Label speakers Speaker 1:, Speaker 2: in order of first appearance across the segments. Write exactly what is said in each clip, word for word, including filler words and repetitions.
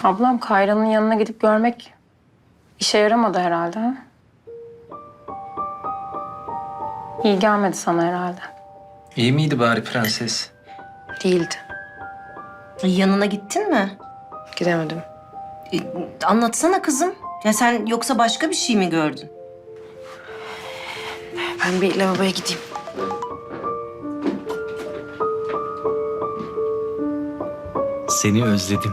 Speaker 1: Ablam Kayra'nın yanına gidip görmek işe yaramadı herhalde. Ha? İyi gelmedi sana herhalde.
Speaker 2: İyi miydi bari prenses?
Speaker 1: Değildi.
Speaker 3: Yanına gittin mi?
Speaker 1: Gidemedim.
Speaker 3: E, anlatsana kızım. Ya sen yoksa başka bir şey mi gördün?
Speaker 1: Ben bir lavaboya gideyim.
Speaker 2: Seni özledim.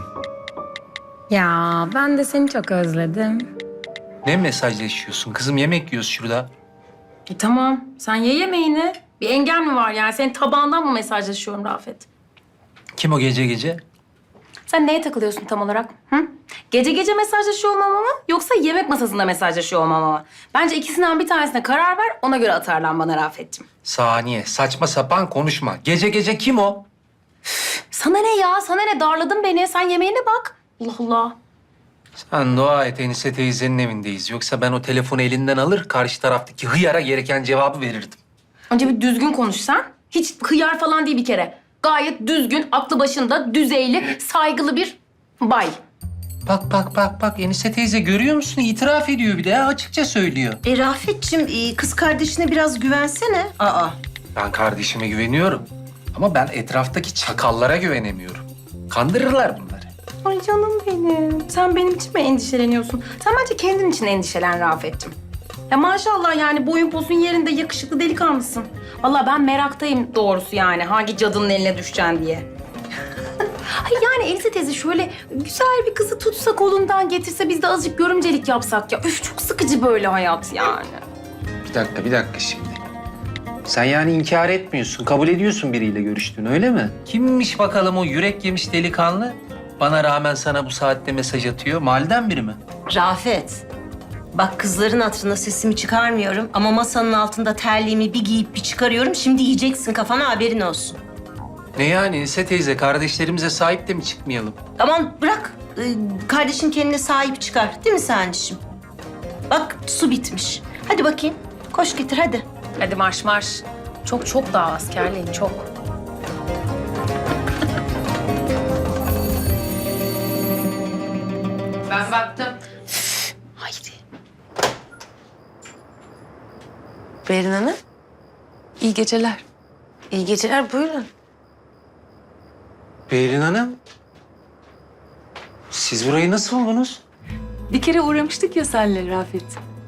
Speaker 1: Ya ben de seni çok özledim.
Speaker 2: Ne mesajlaşıyorsun kızım? Yemek yiyoruz şurada.
Speaker 1: E tamam. Sen ye yemeğini. Bir engel mi var yani? Senin tabağından mı mesajlaşıyorum Rafet?
Speaker 2: Kim o gece gece?
Speaker 1: Sen neye takılıyorsun tam olarak? Hı? Gece gece mesajlaşıyor olmama mı? Yoksa yemek masasında mesajlaşıyor olmama mı? Bence ikisinden bir tanesine karar ver. Ona göre atarlan bana Rafet'ciğim.
Speaker 2: Saniye, saçma sapan konuşma. Gece gece kim o?
Speaker 1: Sana ne ya? Sana ne? Darladın beni. Sen yemeğine bak. Allah Allah.
Speaker 2: Sen dua et, Enise teyzenin evindeyiz. Yoksa ben o telefonu elinden alır, karşı taraftaki hıyara gereken cevabı verirdim.
Speaker 1: Önce bir düzgün konuş sen. Hiç hıyar falan değil bir kere. Gayet düzgün, aklı başında, düzeyli, saygılı bir bay.
Speaker 2: Bak bak bak bak, Enise teyze görüyor musun? İtiraf ediyor bir de ya, açıkça söylüyor.
Speaker 3: E Rafet'ciğim e, kız kardeşine biraz güvensene. Aa.
Speaker 2: Ben kardeşime güveniyorum. Ama ben etraftaki çakallara güvenemiyorum. Kandırırlar bunları.
Speaker 1: Ay canım benim. Sen benim için mi endişeleniyorsun? Sen bence kendin için endişelen Rafet'ciğim. Ya maşallah yani boyun posun yerinde yakışıklı delikanlısın. Vallahi ben meraktayım doğrusu yani hangi cadının eline düşeceksin diye. Ay yani Elise teyze şöyle güzel bir kızı tutsa kolundan getirse biz de azıcık görümcelik yapsak ya. Üf çok sıkıcı böyle hayat yani.
Speaker 2: Bir dakika, bir dakika şimdi. Sen yani inkar etmiyorsun, kabul ediyorsun biriyle görüştüğünü, öyle mi? Kimmiş bakalım o yürek yemiş delikanlı? Bana rağmen sana bu saatte mesaj atıyor. Mahalleden biri mi?
Speaker 3: Rafet. Bak kızların hatırına sesimi çıkarmıyorum ama masanın altında terliğimi bir giyip bir çıkarıyorum. Şimdi yiyeceksin kafana haberin olsun.
Speaker 2: Ne yani Enise teyze, kardeşlerimize sahip de mi çıkmayalım?
Speaker 3: Aman bırak. Ee, kardeşin kendine sahip çıkar. Değil mi Sancı'cığım? Bak su bitmiş. Hadi bakayım. Koş getir hadi.
Speaker 1: Hadi marş marş. Çok çok daha askerliğin çok. Ben baktım.
Speaker 4: Haydi. Berin Hanım,
Speaker 5: İyi geceler.
Speaker 4: iyi geceler. Buyurun.
Speaker 2: Behrin Hanım, siz burayı nasıl buldunuz?
Speaker 5: Bir kere uğramıştık ya senle Rafet.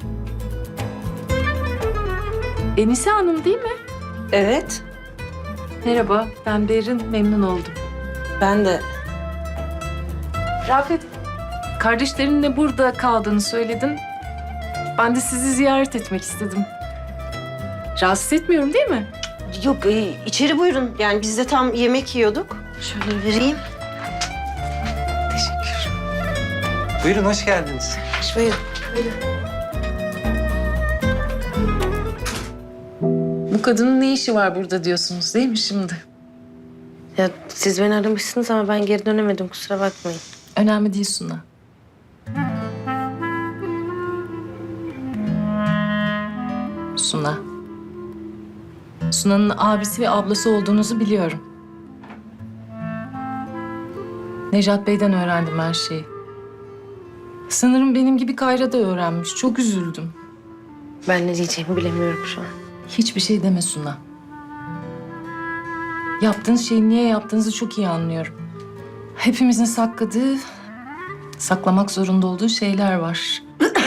Speaker 5: Enise Hanım değil mi?
Speaker 3: Evet.
Speaker 5: Merhaba, ben Berin. Memnun oldum.
Speaker 3: Ben de.
Speaker 5: Rafet, kardeşlerinle burada kaldığını söyledin. Ben de sizi ziyaret etmek istedim. Rahatsız etmiyorum değil mi?
Speaker 3: Yok e, içeri buyurun. Yani biz de tam yemek yiyorduk. Şöyle vereyim.
Speaker 5: Teşekkür.
Speaker 2: Buyurun, hoş geldiniz.
Speaker 4: Buyurun.
Speaker 5: Bu kadının ne işi var burada diyorsunuz değil mi şimdi?
Speaker 4: Ya siz beni aramışsınız ama ben geri dönemedim. Kusura bakmayın.
Speaker 5: Önemli değil Suna. Suna. Suna'nın abisi ve ablası olduğunuzu biliyorum. Nejat Bey'den öğrendim her şeyi. Sanırım benim gibi Kayra da öğrenmiş. Çok üzüldüm.
Speaker 4: Ben ne diyeceğimi bilemiyorum şu an.
Speaker 5: Hiçbir şey deme Suna. Yaptığınız şeyi niye yaptığınızı çok iyi anlıyorum. Hepimizin sakladığı, saklamak zorunda olduğu şeyler var.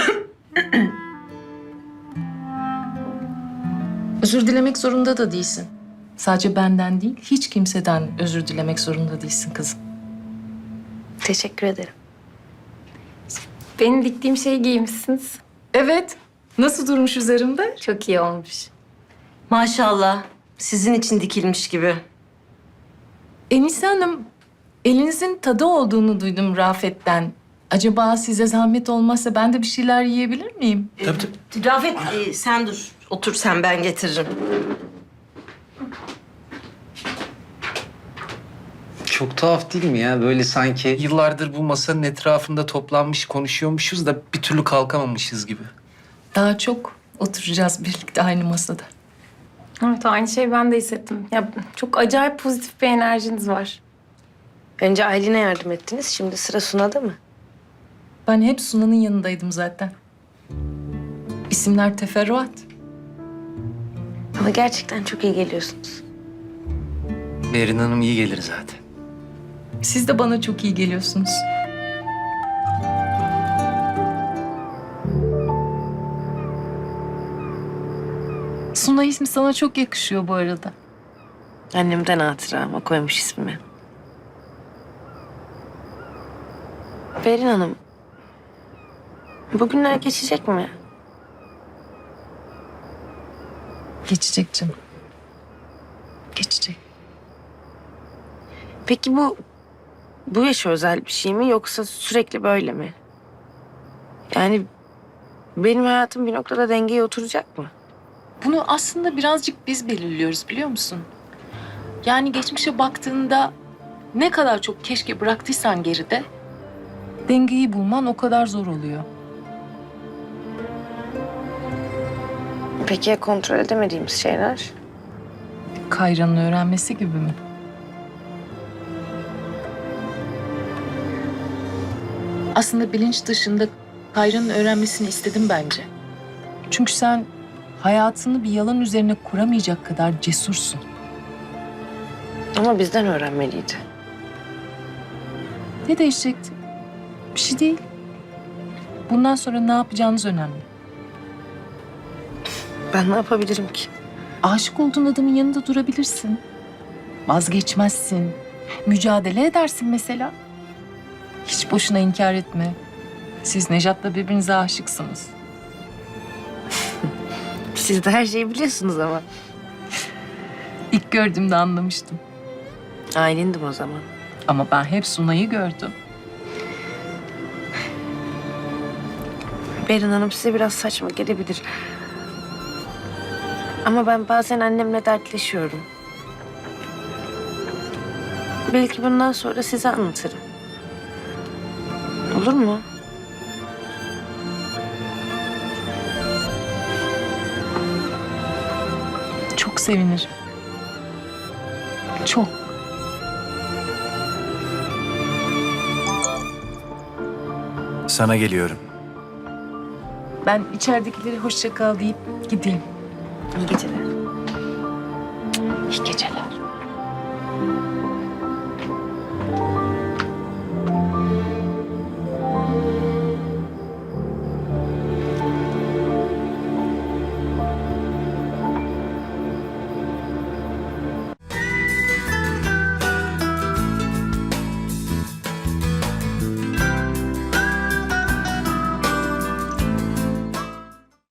Speaker 5: Özür dilemek zorunda da değilsin. Sadece benden değil, hiç kimseden özür dilemek zorunda değilsin kızım.
Speaker 4: Teşekkür ederim.
Speaker 1: Benim diktiğim şeyi giymişsiniz.
Speaker 5: Evet, nasıl durmuş üzerimde?
Speaker 1: Çok iyi olmuş.
Speaker 3: Maşallah. Sizin için dikilmiş gibi.
Speaker 5: Enise Hanım, elinizin tadı olduğunu duydum Rafet'ten. Acaba size zahmet olmazsa ben de bir şeyler yiyebilir miyim?
Speaker 2: Tabii tabii.
Speaker 3: Rafet e, sen dur. Otur sen ben getiririm.
Speaker 2: Çok tuhaf değil mi ya? Böyle sanki yıllardır bu masanın etrafında toplanmış konuşuyormuşuz da bir türlü kalkamamışız gibi.
Speaker 5: Daha çok oturacağız birlikte aynı masada.
Speaker 1: Evet aynı şeyi ben de hissettim. Ya çok acayip pozitif bir enerjiniz var.
Speaker 4: Önce Aylin'e yardım ettiniz. Şimdi sıra Suna'da mı?
Speaker 5: Ben hep Sunan'ın yanındaydım zaten. İsimler teferruat.
Speaker 4: Ama gerçekten çok iyi geliyorsunuz.
Speaker 2: Berin Hanım iyi gelir zaten.
Speaker 5: Siz de bana çok iyi geliyorsunuz. Suna ismi sana çok yakışıyor bu arada.
Speaker 4: Annemden hatıra ama koymuş ismimi. Berin Hanım, bugünler geçecek mi?
Speaker 5: Geçecek canım. Geçecek.
Speaker 4: Peki bu bu yaşa özel bir şey mi yoksa sürekli böyle mi? Yani benim hayatım bir noktada dengeye oturacak mı?
Speaker 5: Bunu aslında birazcık biz belirliyoruz biliyor musun? Yani geçmişe baktığında ne kadar çok keşke bıraktıysan geride, dengeyi bulman o kadar zor oluyor.
Speaker 4: Peki ya kontrol edemediğimiz şeyler?
Speaker 5: Kayra'nın öğrenmesi gibi mi? Aslında bilinç dışında Kayra'nın öğrenmesini istedim bence. Çünkü sen hayatını bir yalan üzerine kuramayacak kadar cesursun.
Speaker 4: Ama bizden öğrenmeliydi.
Speaker 5: Ne değişecekti? Bir şey değil. Bundan sonra ne yapacağınız önemli.
Speaker 4: Ben ne yapabilirim ki?
Speaker 5: Aşık olduğun adamın yanında durabilirsin. Vazgeçmezsin. Mücadele edersin mesela. Hiç boşuna inkar etme. Siz Nejat'la birbirinize aşıksınız.
Speaker 4: Siz de her şeyi biliyorsunuz ama.
Speaker 5: İlk gördüğümde anlamıştım.
Speaker 4: Ailendim o zaman.
Speaker 5: Ama ben hep Sunay'ı gördüm.
Speaker 4: Berin Hanım size biraz saçma gelebilir. Ama ben bazen annemle dertleşiyorum. Belki bundan sonra size anlatırım. Olur mu?
Speaker 5: Çok sevinirim. Çok.
Speaker 6: Sana geliyorum.
Speaker 5: Ben içeridekileri hoşça kal deyip gideyim.
Speaker 4: İyi geceler.
Speaker 5: İyi geceler.